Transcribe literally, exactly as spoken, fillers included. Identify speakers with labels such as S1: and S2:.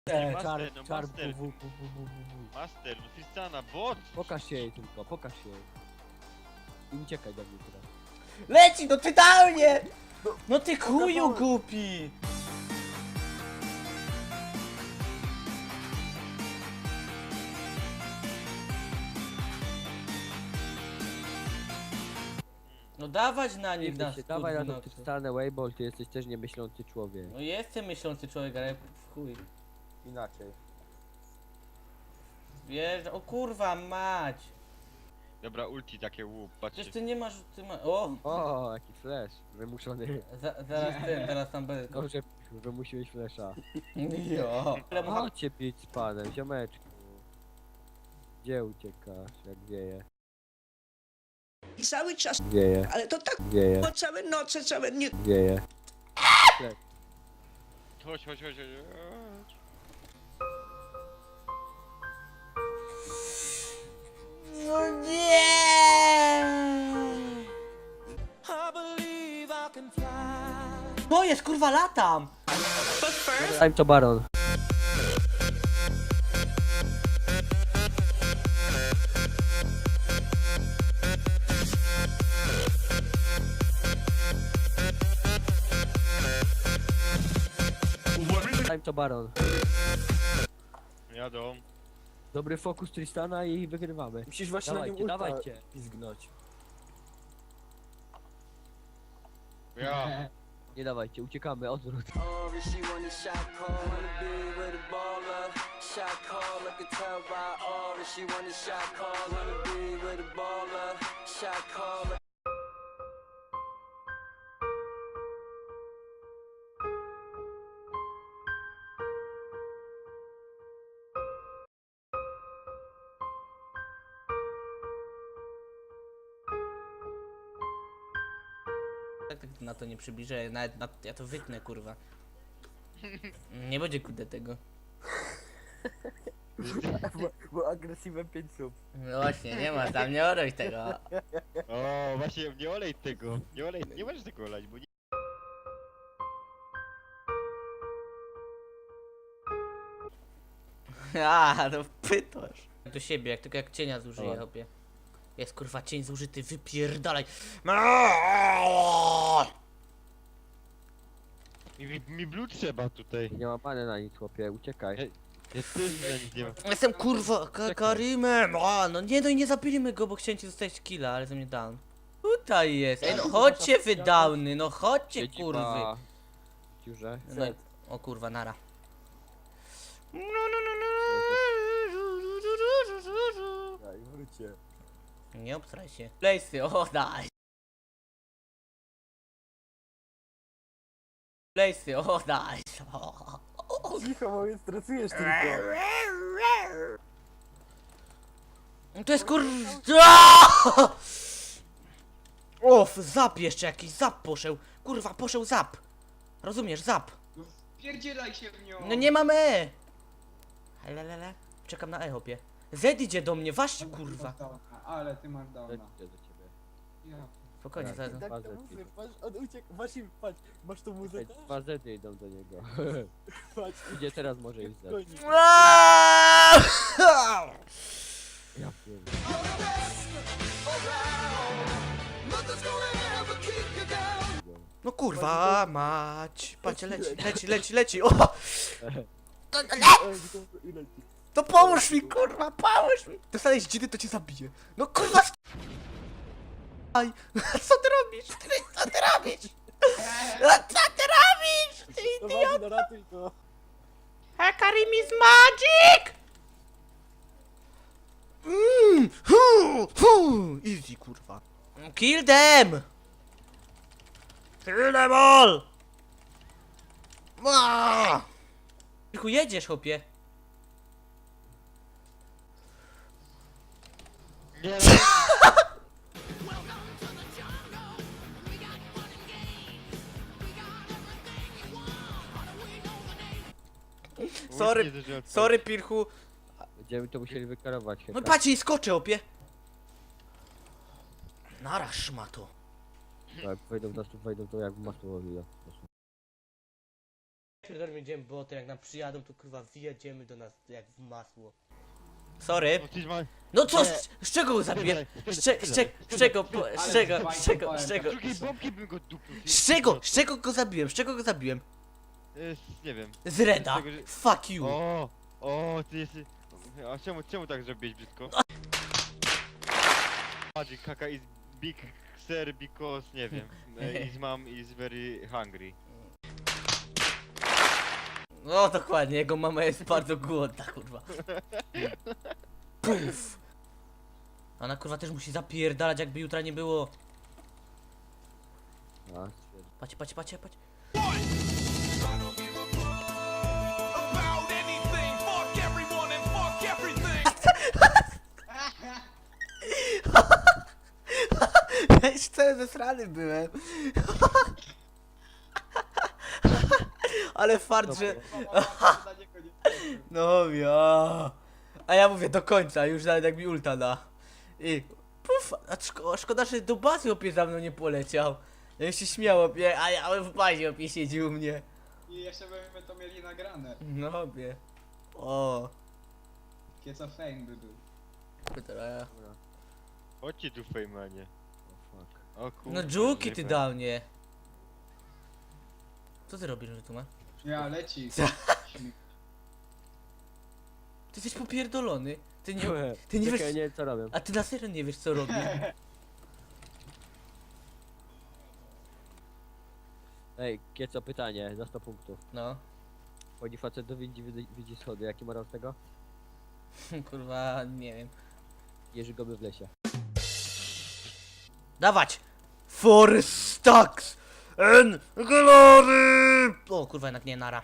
S1: Czar,
S2: Master, no
S1: czar,
S2: master.
S1: bu, bu, bu, bu, bu, bu.
S2: Master, no Tristana, bot!
S1: Pokaż się jej tylko, pokaż się jej. I uciekaj do mnie teraz.
S3: Leci, no totalnie! No ty chuju głupi! No dawać na nich
S1: Nie
S3: na
S1: się, dawaj na
S3: skurwy
S1: to
S3: nocy.
S1: Tristanę Weibold, ty jesteś też niemyślący człowiek.
S3: No jestem myślący człowiek, ale w chuj.
S1: Inaczej.
S3: Wiesz, o kurwa mać!
S2: Dobra, ulti takie łup, patrzcie.
S3: Przecież ty nie masz, ty ma... O!
S1: O, jaki flash, wymuszony.
S3: Za, zaraz ten, zaraz tam będę.
S1: Dobrze, wymusiłeś flasha.
S3: Jo! Ale mu-
S1: Chodźcie pić z panem, ziomeczku. Gdzie uciekasz, jak wieje?
S4: I cały czas,
S1: Wieje,
S4: ale to tak
S1: wieje,
S4: było całe noce, całe dnie.
S1: wieje.
S2: Chodź, chodź, chodź, chodź.
S3: No nie! To jest kurwa latam!
S1: Time to Baron. Time to Baron.
S2: Jadą.
S1: Dobry fokus Tristana i wygrywamy.
S5: Musisz właśnie
S1: Dawajcie,
S5: na nim ulta
S1: dawajcie.
S5: pizgnąć.
S2: Ja.
S1: Nie dawajcie, uciekamy, odwrót.
S6: Or she want a shot call, wanna be with a baller. Shot call, I can tell by all. She want a shot call, wanna be with a baller. Shot call.
S3: Tak, tak na to nie przybliżę, nawet na, ja to wytnę kurwa. Nie będzie kudę tego.
S1: Bo, bo agresywem pięć sub.
S3: No właśnie, nie ma tam, nie oroś tego.
S2: O, właśnie, nie olej tego. Nie olej, nie możesz tego olać, bo nie...
S3: A, no pytasz. Do siebie, jak tylko jak cienia zużyję,
S1: Dobra.
S3: hopie. Jest kurwa cień zużyty, wypierdalaj.
S2: Mi, mi blue trzeba tutaj.
S1: Nie ma pany na nic, chłopie, uciekaj.
S2: Ja też na nic nie mam.
S3: Jestem kurwa ka Karimem. A, no nie, no i nie zabili go, bo chciałem ci zostać killa, ale ze mnie down. Tutaj jest. Ej, no chodźcie wy downy, no chodźcie
S1: Siedzi
S3: kurwy.
S1: ma w dziurze.
S3: No, i- o kurwa, nara.
S5: Daj, wróćcie.
S3: Nie obstraj się. Playsy, o daj. Playsy, o daj.
S5: Cicho, bo mnie stresujesz tylko.
S3: To jest kur... Of, zap jeszcze jakiś, zap poszedł. Kurwa, poszedł zap. Rozumiesz, zap.
S7: Pierdzielaj się w nią!
S3: No nie mamy E. Lelele. Czekam na E, hopie. Z idzie do mnie, właśnie kurwa.
S7: Ale ty masz downa.
S1: Idę do ciebie.
S7: Ja.
S3: Spokojnie, zaraz.
S5: Tak
S1: Bazę
S5: to mówię,
S1: tylko.
S5: patrz, on uciekł, masz im, patrz, masz tą
S1: Ej,
S5: muzykę?
S1: dwa zety idą do niego.
S5: Patrz,
S1: Idzie teraz może iść zet.
S5: goni.
S1: Ja pierdolę.
S3: No kurwa, mać. Patrzcie, leci, leci, leci, leci. O!
S5: Ej, to ile ci?
S3: To pomóż mi, kurwa, pomóż mi! Dostałeś dziny, to cię zabiję. No kurwa, sk- Aj, co ty robisz? Ty, co ty robisz? No, co ty robisz? Ty
S5: No
S3: idiot!
S5: Wadi, no ratuj go.
S3: Karim is magic! Mm, hu, hu. Easy, kurwa. Kill them! Kill them all! Ah! Tylko jedziesz, chłopie.
S2: Nie,
S3: Sorry,
S2: ulti nie
S3: sorry, Pirchu.
S1: Będziemy to musieli wykarować
S3: No
S1: chyba.
S3: patrz, i skoczę, opie. Naraż ma to.
S1: Jak wejdą w nas, tu wejdą to jak w masło.
S3: pierdolę będziemy boty, jak nam przyjadą, to kurwa wjedziemy do nas jak w masło. Sorry.
S2: No ty ma...
S3: No co,
S2: Nie.
S3: z, z czego go zabiłem?
S2: Spierdalaj,
S3: Z, cze- z, cze- z czego, po- z czego, z czego, z
S2: Z
S3: czego,
S2: drugiej bombki bym go dupnął. ty-
S3: z czego, z czego go zabiłem, z czego go zabiłem?
S2: Y, Nie wiem.
S3: Z Reda.
S2: Z tego, że-
S3: Fuck you.
S2: O, o, ty jesteś... A czemu, czemu tak zrobiłeś brzydko? Magic kaka is big sir because, nie wiem, eh, his mom is very hungry.
S3: No dokładnie, jego mama jest bardzo głodna, kurwa. Puf. Ona kurwa też musi zapierdalać, jakby jutra nie było.
S1: A,
S3: Patrz, patrz, patrz, patrz. Ja już cały zesrany byłem. Ale fart, że... No ja. A ja mówię do końca, już nawet jak mi ulta da. I puf, a szko szkoda, że do bazy opie za mną nie poleciał. Ja się śmiał opie, a ja w bazie opie siedzi u mnie.
S7: I jeszcze byśmy to mieli nagrane.
S3: No opie. O.
S7: Kieco fame by był.
S3: Dobra.
S2: Chodźcie tu fejmanie.
S1: o fuck.
S2: O kurwa.
S3: No dżuki
S2: nie
S3: ty
S2: wiem.
S3: dał mnie. Co ty robisz, że tu ma?
S7: Ja, leci.
S3: Co? Ty jesteś popierdolony. Ty nie...
S1: Nie,
S3: Ty nie
S1: czekaj,
S3: wiesz...
S1: nie wiem co robię.
S3: A ty na serio nie wiesz co robisz.
S1: Ej, Kieco, pytanie, za sto punktów.
S3: No.
S1: Chodzi facet do widzi, widzi, widzi schody, jaki morał z tego?
S3: Kurwa, nie wiem.
S1: Jerzy goby w lesie.
S3: Dawać! For stocks and glory! O kurwa, jednak nie, nara.